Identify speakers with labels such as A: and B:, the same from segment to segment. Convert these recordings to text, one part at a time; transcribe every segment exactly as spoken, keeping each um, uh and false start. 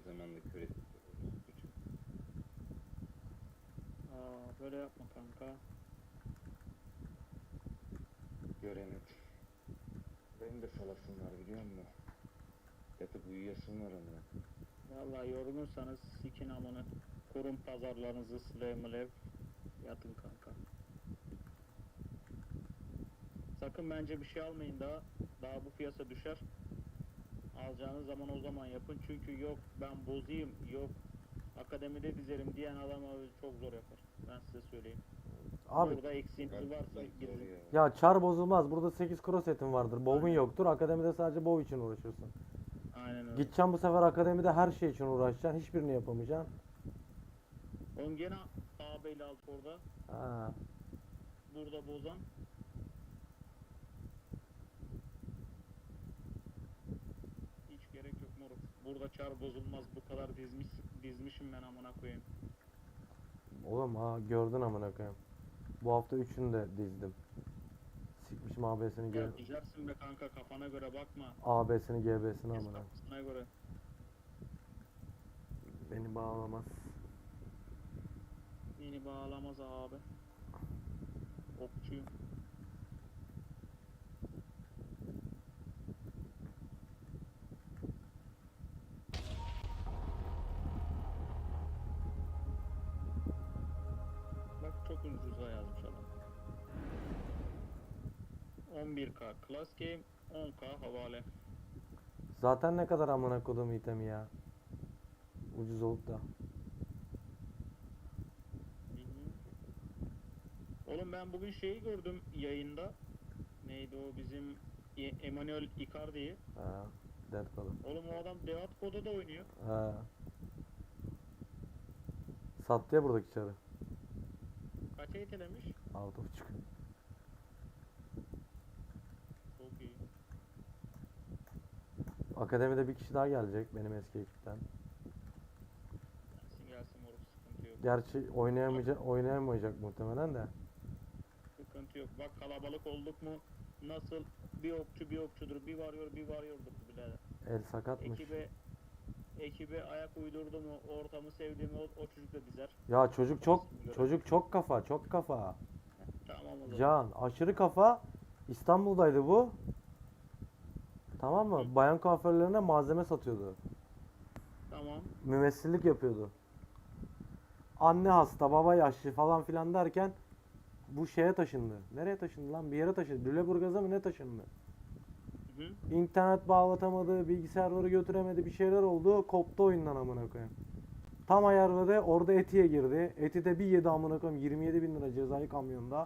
A: zamanda kör ettik.
B: Aa, böyle yapma kanka.
A: Göremedim. Benim de salasım var biliyor musun? Yatıp uyuyasım var ama.
B: Vallahi yorgunsanız sikin amına. Kurun pazarlarınızı Slaymolev. Yatın kanka. Sakın bence bir şey almayın daha. Daha bu piyasa düşer. Alacağınız zaman o zaman yapın. Çünkü yok ben bozayım, yok akademide dizerim diyen adam abi çok zor yapar. Ben size söyleyeyim.
C: Abi
B: Burada eksiğiniz varsa gidin.
A: Ya.
C: ya çar bozulmaz. Burada sekiz cross setin vardır. Bow'un
B: Aynen.
C: yoktur. Akademide sadece bow için uğraşırsın.
B: Aynen öyle.
C: Gideceksin bu sefer akademide her şey için uğraşacaksın. Hiçbirini yapamayacaksın.
B: Oğlum gene ağabeyle alt orada.
C: Ha.
B: Burada bozan. Hiç gerek yok moruk. Burada çar bozulmaz. Bu kadar dizmiş, dizmişim ben amına koyayım.
C: Oğlum ha gördün amına koyayım. Bu hafta üçünü de dizdim. Sikmişim A B'sini G
B: Ya dizersin be kanka kafana göre bakma.
C: A B'sini G B'sini amına.
B: Hesapsına göre.
C: Beni bağlamaz.
B: Beni bağlamaz abi. Okçuyum. Bak çok ucuza yazmış adam. on bir K Class Game, on K havale.
C: Zaten ne kadar amına kodum itemi ya. Ucuz olup da.
B: Bilmiyorum ki. Oğlum ben bugün şeyi gördüm yayında. Neydi o bizim E- Emmanuel Icardi'yi.
C: Ha. Dead kodum.
B: Oğlum o adam Deat Koda da oynuyor.
C: Ha. Sattı ya buradaki çarı.
B: Kaça itelemiş?
C: Altı buçuk.
B: Çok iyi.
C: Akademide bir kişi daha gelecek benim eski ekipten.
B: Gelsin gelsin moruk sıkıntı yok.
C: Gerçi oynayamayacak, oynayamayacak muhtemelen de.
B: Sıkıntı yok. Bak kalabalık olduk mu nasıl bir okçu bir okçudur, bir varıyor bir varıyordur birader.
C: El sakatmış.
B: Ekibe ekibe ayak uydurdu mu, ortamı sevdi mi o, o çocuk da dizer.
C: Ya çocuk çok çocuk çok kafa, çok kafa.
B: Tamam o zaman.
C: Can aşırı kafa. İstanbul'daydı bu. Tamam mı? Bayan kuaförlerine malzeme satıyordu.
B: Tamam.
C: Mümessillik yapıyordu. Anne hasta, baba yaşlı falan filan derken bu şeye taşındı. Nereye taşındı lan? Bir yere taşındı. Lüleburgaz'a mı ne taşındı?
B: Hı hı.
C: İnternet bağlatamadı, bilgisayarları götüremedi, bir şeyler oldu. Koptu oyundan amına koyayım. Tam ayarladı, orada Eti'ye girdi. Eti de bir yedi amına koyayım. yirmi yedi bin lira cezayı kamyonda.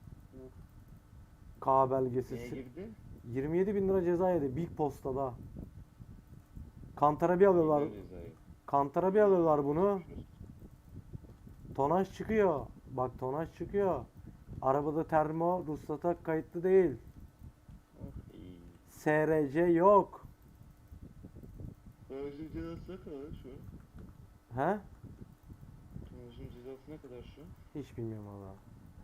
C: K belgesi.
A: Neye girdi?
C: yirmi yedi bin lira ceza yedi. Big Posta'da. Kantara bir alıyorlar.
A: Güzel cezayı.
C: Kantara bir alıyorlar bunu. Tonaj çıkıyor. Bak tonaj çıkıyor. Arabada termo ruhsata kayıtlı değil.
A: Oh iyi.
C: S R C yok.
A: Tonajın cezası ne kadar şu an?
C: He?
A: Tonajın cezası ne kadar şu an?
C: Hiç bilmiyorum valla.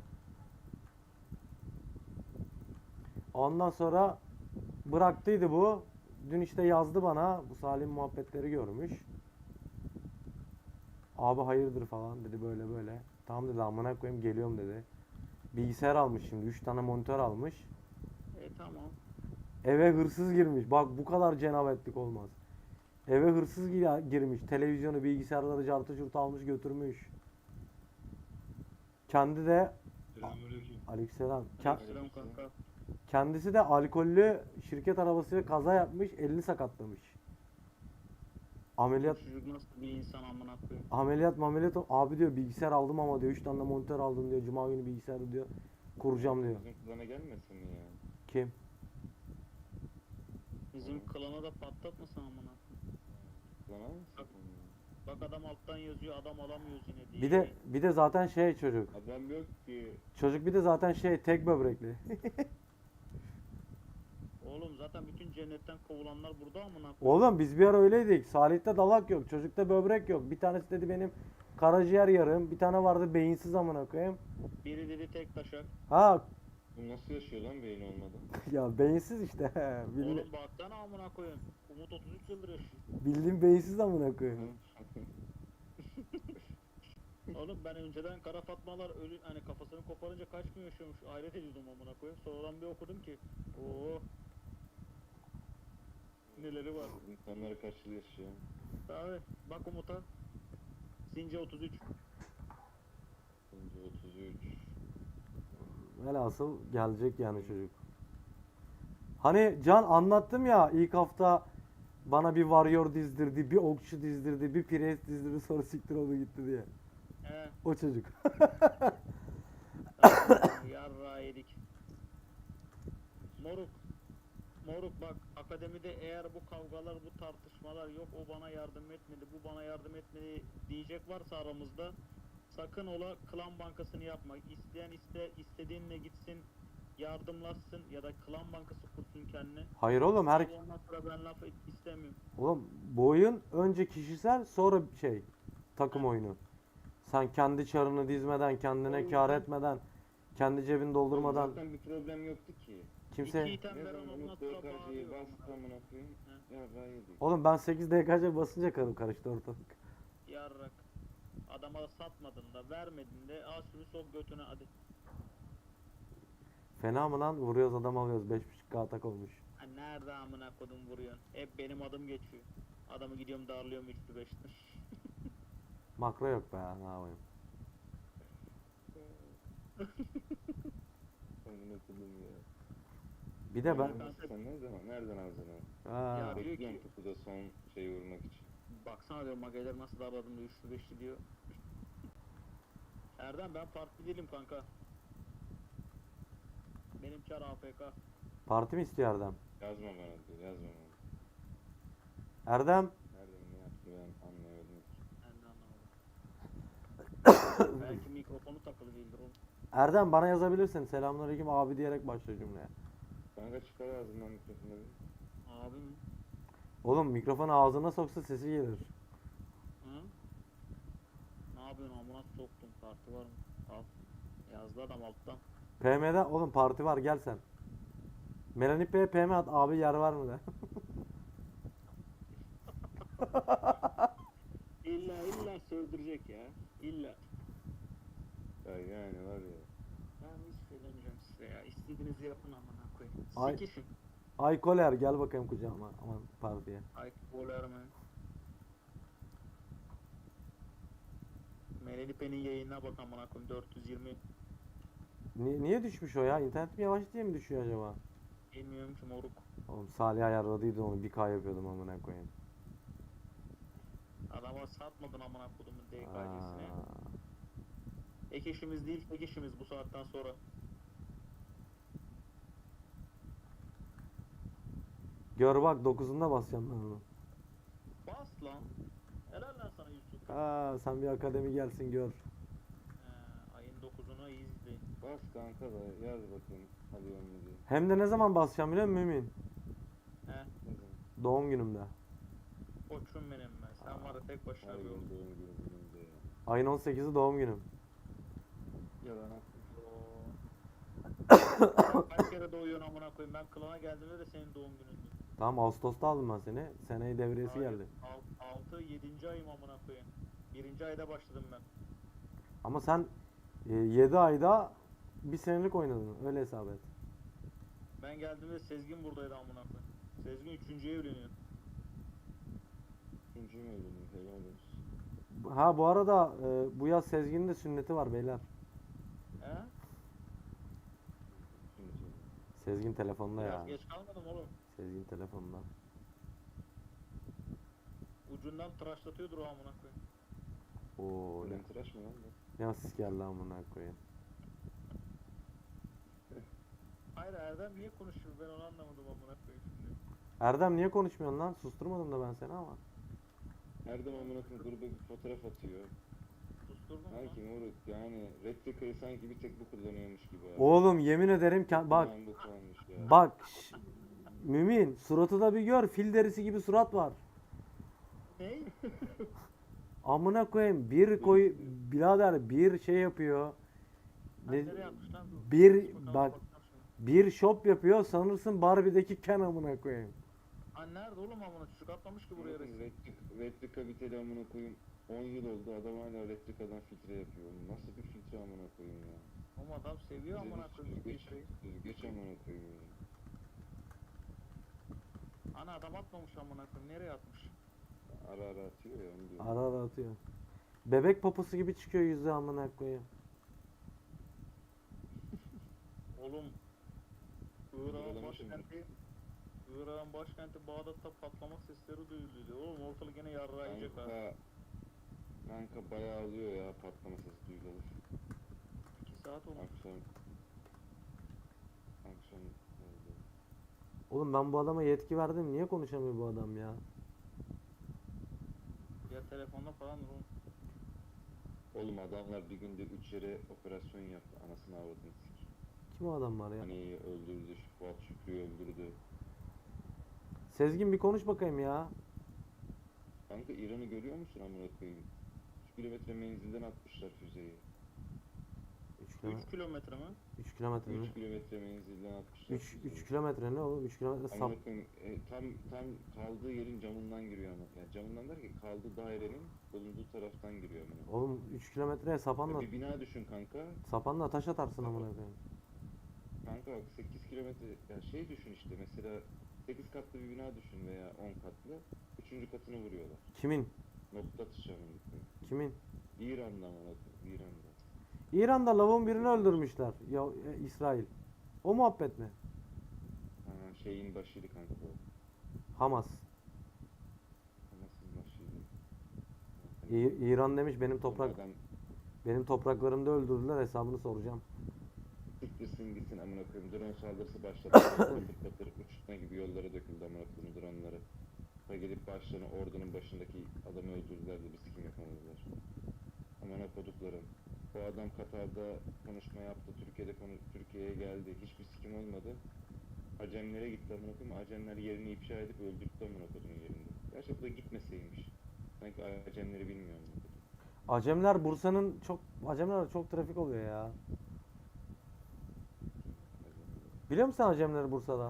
C: Ondan sonra bıraktıydı bu. Dün işte yazdı bana. Bu Salim muhabbetleri görmüş. Abi hayırdır falan dedi böyle böyle. Tamam dedi amına koyayım geliyorum dedi. Bilgisayar almış şimdi. üç tane monitör almış.
B: E tamam.
C: Eve hırsız girmiş. Bak bu kadar cenabetlik olmaz. Eve hırsız gi- girmiş. Televizyonu, bilgisayarları, cartı curtu almış götürmüş. Kendi de
A: Selamünaleyküm.
C: aleykümselam. Ke-
B: Selam kanka.
C: kendisi de alkollü şirket arabasıyla kaza yapmış, elini sakatlamış. Ameliyat
B: Bu çocuk nasıl bir insan amına koyayım.
C: ameliyat ameliyat abi diyor bilgisayar aldım ama diyor üç tane de monitör aldım diyor. Cuma günü bilgisayarı diyor kuracağım diyor.
A: Bizim kulağına gelmesin mi ya?
C: Kim?
B: Bizim klana da patlatmasın amına koyayım.
A: Kulağına mı?
B: Bak. Bak adam alttan yazıyor adam alamıyoruz yine diye.
C: Bir de bir de zaten şey çocuk.
A: Adam yok ki.
C: Çocuk bir de zaten şey tek böbrekli.
B: Oğlum zaten bütün cennetten kovulanlar burada amına koyayım.
C: Oğlum biz bir ara öyleydik. Salih'te dalak yok. Çocukta böbrek yok. Bir tanesi dedi benim karaciğer yarım. Bir tane vardı beyinsiz amına koyayım.
B: Biri dedi tek taşak.
C: Ha
A: Bu nasıl yaşıyor lan beyin olmadan?
C: ya beyinsiz işte. Bilmi-
B: Oğlum baksana amına koyayım. Umut otuz üç yıldır yaşıyor.
C: Bildiğin beyinsiz amına koyayım.
B: Oğlum ben önceden Kara Fatmalar ölü hani kafasını koparınca kaç gün yaşıyormuş hayret ediyordum amına koyayım. Sonradan bir okudum ki oo neleri var.
A: İnsanlara karşı yaşıyor.
B: Abi bak Umut'a. Since otuz üç.
A: Önce otuz üç.
C: Velhasıl gelecek yani çocuk. Hani Can anlattım ya ilk hafta bana bir warrior dizdirdi, bir okçu dizdirdi, bir priest dizdirdi sonra siktir oldu gitti diye.
B: He.
C: O çocuk.
B: Yarra yedik. Moruk. Moruk bak akademide eğer bu kavgalar bu tartışmalar yok o bana yardım etmedi bu bana yardım etmedi diyecek varsa aramızda sakın ola klan bankasını yapma. İsteyen iste istediğinle gitsin yardımlaşsın ya da klan bankası kursun kendine.
C: Hayır oğlum her
B: Ondan sonra ben laf et- istemiyorum.
C: oğlum bu oyun önce kişisel sonra şey takım oyunu. Sen kendi çarını dizmeden, kendine
A: Oğlum
C: kâr
A: sen-
C: etmeden, kendi cebini doldurmadan
A: Zaten bir problem yoktu ki.
C: kimse
B: İki item
A: Ne
B: veren
A: zaman
B: ondan
A: Umut
B: sonra
A: dört K'yı
B: bağırıyor.
A: bastı amına koyayım. Ya ben yedik.
C: Oğlum ben sekiz D K C basınca karım karıştı ortalık.
B: Yarrak. Adama satmadın da vermedin de al şunu sok götüne hadi.
C: Fena mı lan? Vuruyoruz adam alıyoruz. beş buçuk K atak olmuş.
B: Ha nerede amına kodum vuruyorsun? Hep benim adım geçiyor. Adamı gidiyorum darlıyorum üçlü beşli.
C: Makro yok be ya, ne yapayım.
A: Amına koyayım ya.
C: Bir de ben...
B: Ben-
A: Sen ne zaman? Nereden aldın onu?
C: Ha,
B: Ya-
A: Bekliyorum kutuda son şeyi vurmak için.
B: Baksana diyorum mageler nasıl darladım da üçlü beşli diyor. Erdem ben partili değilim kanka. Benim çar A F K.
C: parti mi istiyor Erdem?
A: Yazma bana diyor, yazma bana.
C: Erdem,
A: Nereden ne yaptı ben anlayamadım.
B: Ben de anlamadım. Belki mikrofonu takılı değildir oğlum.
C: Erdem bana yazabilirsin. Selamünaleyküm abi diyerek başla cümleye.
A: Kanka çıkar ağzından mikrofonu bir.
B: Abi mi?
C: Oğlum mikrofonu ağzına soksa sesi gelir.
B: Hı? Ne yapıyorsun amına soktum parti var mı? Al. Yazdı adam alttan.
C: P M'de oğlum parti var gel sen. Melanip Bey'e P M at abi yer var mı de.
B: İlla illa sövdürecek ya. İlla.
A: Ya yani var ya.
B: Ben hiç söylemeyeceğim size ya. İstediğinizi yapın amına koyayım.
C: Ay-
B: Sikişin.
C: Ay Koler gel bakayım kucağıma aman partiye.
B: Ay boler mi? Melelipe'nin yayınına bak amına koyayım dört yüz yirmi.
C: Ni- niye düşmüş o ya? İnternet mi yavaş diye mi düşüyor acaba?
B: Bilmiyorum ki moruk.
C: Oğlum Salih ayarladıydı onu bir K yapıyordum amına koyayım.
B: Adama satmadın amına kodumun D K C'sine.
C: Aa,
B: Ek işimiz değil tek işimiz bu saatten sonra.
C: Gör bak dokuzunda basacağım ben onu.
B: Bas lan. Helal lan sana Yusuf.
C: Aa, sen bir akademi gelsin gör.
B: Ee, ayın dokuzuna iyi izleyin.
A: Bas kanka da yaz bakayım. Hadi onu diye.
C: Hem de ne zaman basacağım biliyor musun Mümin?
B: He.
A: Ne zaman?
C: Doğum günümde.
B: Koçum benim ben. Sen var ya tek başına
A: Her
B: bir
A: gün
B: oldun.
A: doğum günü günümde ya.
C: Ayın on sekizi doğum günüm.
A: Yalan atma.
B: Sen kaç kere doğuyorsun amına koyayım. Ben klana geldiğimde de senin doğum günündü.
C: Tamam Ağustos'ta aldım ben seni. Seneyi devriyesi
B: Hayır,
C: geldi.
B: altı yedinci ayım amına koyayım. birinci ayda başladım ben.
C: Ama sen e, yedi ayda bir senelik oynadın. Öyle hesap et.
B: Ben geldiğimde Sezgin buradaydı amına koyayım. Sezgin üçüncüye evleniyor.
A: İkinci mi öldüm? Helal olsun.
C: Ha bu arada e, bu yaz Sezgin'in de sünneti var beyler.
B: He?
A: İkinci.
C: Sezgin telefonda
B: Biraz
C: ya.
B: geç kalmadım oğlum.
C: Sezgin telefonda.
B: Ucundan tıraşlatıyordur o amına koyayım.
C: Oo ne,
A: Ulan tıraş mı lan bu?
C: ne asist geldi amına koyayım.
B: Hayır Erdem niye konuşuyor ben onu anlamadım amına koyayım şimdi.
C: Erdem niye konuşmuyorsun lan? Susturmadım da ben seni ama.
A: Her zaman amına koyayım gruba bir fotoğraf atıyor.
B: Susturdun mu?
A: Sanki moruk yani Replica'yı sanki bir tek bu kullanıyormuş gibi abi.
C: Oğlum yemin ederim ki bak
A: Ulan bu kalmış ya.
C: bak şş, Mümin suratı da bir gör fil derisi gibi surat var.
B: Ne?
C: Amına koyayım bir koy birader bir şey yapıyor.
B: Ben
C: Ne,
B: nereye yapmış lan bu?
C: bir
B: Bakalım,
C: bak
B: bakacağım şimdi.
C: bir shop yapıyor sanırsın Barbie'deki Ken amına koyayım.
B: Ha nerede oğlum amına çocuk atlamış ki buraya resim.
A: Replika, replika biteli amına koyayım. on yıl oldu adam hala replikadan filtre yapıyor. Oğlum nasıl bir filtre amına koyayım ya.
B: Oğlum adam seviyor amına koyayım bu
A: Süzgeç,
B: filtreyi.
A: süzgeç amına koyayım ya.
B: Ana adam atmamış amına koyayım. Nereye atmış?
A: Ara ara atıyor ya onu diyorum.
C: Ara ara atıyor. Bebek poposu gibi çıkıyor yüzü amına koyayım.
B: Oğlum Irak'ın
A: Yaralamışım.
B: başkenti Irak'ın başkenti Bağdat'ta patlama sesleri duyuldu. Oğlum ortalık yine yarrayacak ha.
A: Kanka, kanka bayağı oluyor ya patlama sesi duyulur.
B: iki saat olmuş.
A: Akşam akşam oldu.
C: Oğlum ben bu adama yetki verdim. Niye konuşamıyor bu adam ya?
B: Ya telefonda falan oğlum.
A: Oğlum adamlar bir günde üç yere operasyon yaptı. Anasını avradını sik.
C: Kim o adam var ya?
A: Hani öldürdü, şu Fuat Şükrü'yü öldürdü.
C: Sezgin bir konuş bakayım ya.
A: Kanka İran'ı görüyor musun amına koyayım? üç kilometre menzilden atmışlar füzeyi.
C: üç kilometre.
B: üç kilometre mi?
C: üç kilometre mi?
A: üç kilometre menzilden atmışlar.
C: üç
A: füzeyi.
C: üç kilometre ne oğlum? üç kilometre sap.
A: Amına koyayım, e, tam tam kaldığı yerin camından giriyor ama. Yani camından der ki kaldığı dairenin bulunduğu taraftan giriyor amına.
C: Oğlum üç kilometreye sapanla
A: Bir bina düşün kanka.
C: sapanla taş atarsın amına koyayım.
A: Kanka bak sekiz kilometre ya şey düşün işte mesela sekiz katlı bir bina düşün veya on katlı. üçüncü katını vuruyorlar.
C: Kimin?
A: Nokta atışı amına koyayım.
C: Kimin?
A: İran'da amına koyayım, İran'da.
C: İran'da lavun birini öldürmüşler. Ya e, İsrail. O muhabbet mi?
A: Ha, şeyin başıydı kanka bu.
C: Hamas.
A: Hamas'ın başıydı.
C: İ- İran demiş benim toprak
A: Adam
C: benim topraklarımda öldürdüler hesabını soracağım.
A: siktirsin gitsin amına koyayım. Drone saldırısı başladı. patır patır uçurtma gibi yollara döküldü amına koyayım droneları. Ve gelip başlarına ordunun başındaki adamı öldürdüler de bir sikim yapamadılar. Amına koduklarım. Bu adam Katar'da konuşma yaptı. Türkiye'de konu Türkiye'ye geldi. Hiçbir sikim olmadı. Acemlere gitti amına koyayım. Acemler yerini ifşa edip öldürttü amına koyduğun yerinde. Gerçekten gitmeseymiş. Sanki Acemleri bilmiyor amına koyayım.
C: Acemler Bursa'nın çok Acemler çok trafik oluyor ya.
A: Acemler.
C: Biliyor musun Acemleri Bursa'da?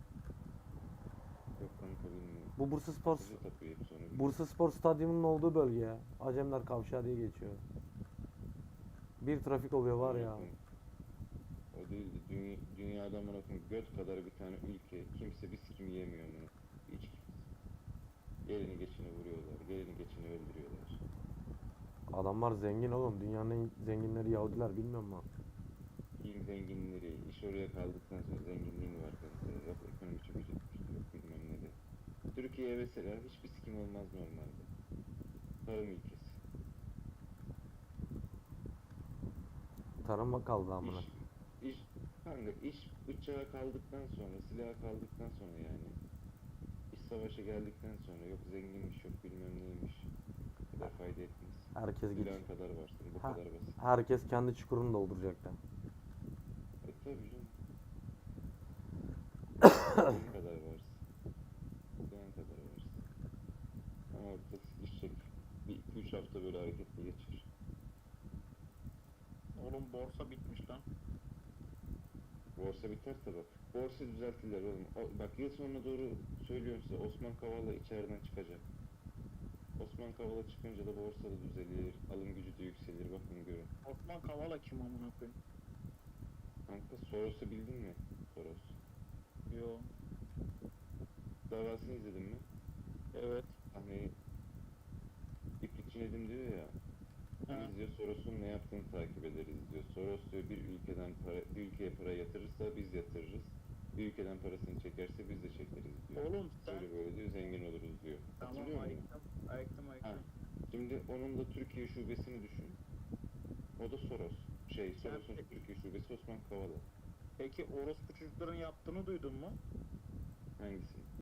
A: Yok kanka bilmiyorum.
C: Bu Bursa Spor
A: Bizi tapıyor hep sonra.
C: Bursa Spor Stadyumu'nun olduğu bölge ya. Acemler Kavşağı diye geçiyor. Bir trafik oluyor var ya.
A: O değil de dünya, dünyada amına koyayım göt kadar bir tane ülke kimse bir sikim yemiyor amına. Hiç kimse. Gelini geçini vuruyorlar, gelini geçini öldürüyorlar.
C: Adamlar zengin oğlum. Dünyanın en zenginleri Yahudiler bilmiyor musun?
A: İlk zenginleri, iş oraya kaldıktan sonra zenginliğin var kanka. Yok ekonomi çökecekmişti, yok bilmem ne de. Türkiye mesela hiçbir sikim olmaz normalde. Tarım ülkesi.
C: Tarıma kaldı amına.
A: İş, iş, kanka iş bıçağa kaldıktan sonra, silaha kaldıktan sonra yani. İş savaşa geldikten sonra yok zenginmiş, yok bilmem neymiş. Bu kadar fayda etmez.
C: Herkes git.
A: Silahın kadar varsın, bu
C: Ha.
A: kadar basit.
C: Herkes kendi çukurunu dolduracak da.
A: E tabii canım. Silahın kadar varsın. Silahın kadar varsın. Ama orada sıkışacak. Bir iki üç hafta böyle hareketli geçir.
B: Oğlum borsa bitmiş lan.
A: Borsa biter tabi. Borsa düzeltirler oğlum. O- bak yıl sonuna doğru söylüyorum size Osman Kavala içeriden çıkacak. Osman Kavala çıkınca da borsa da düzelir, alım gücü de yükselir. Bakın görün.
B: Osman Kavala kim amına koyayım?
A: Kanka Soros'u bildin mi? Soros.
B: Yo.
A: Davasını izledin mi?
B: Evet.
A: Hani İplikçi Nedim diyor ya.
B: Ha.
A: Biz diyor Soros'un ne yaptığını takip ederiz diyor. Soros diyor bir ülkeden para, bir ülkeye para yatırırsa biz yatırırız. Bir ülkeden parasını çekerse biz de çekeriz diyor.
B: Oğlum sen
A: Böyle böyle diyor zengin oluruz diyor.
B: tamam
A: Hatırlıyor musun?
B: ayıktım. Ayıktım ayıktım.
A: Şimdi onun da Türkiye şubesini düşün. O da Soros. Şey Soros'un
B: peki-
A: Türkiye şubesi Osman Kavala.
B: Peki orospu çocukların yaptığını duydun mu?
A: Hangisi?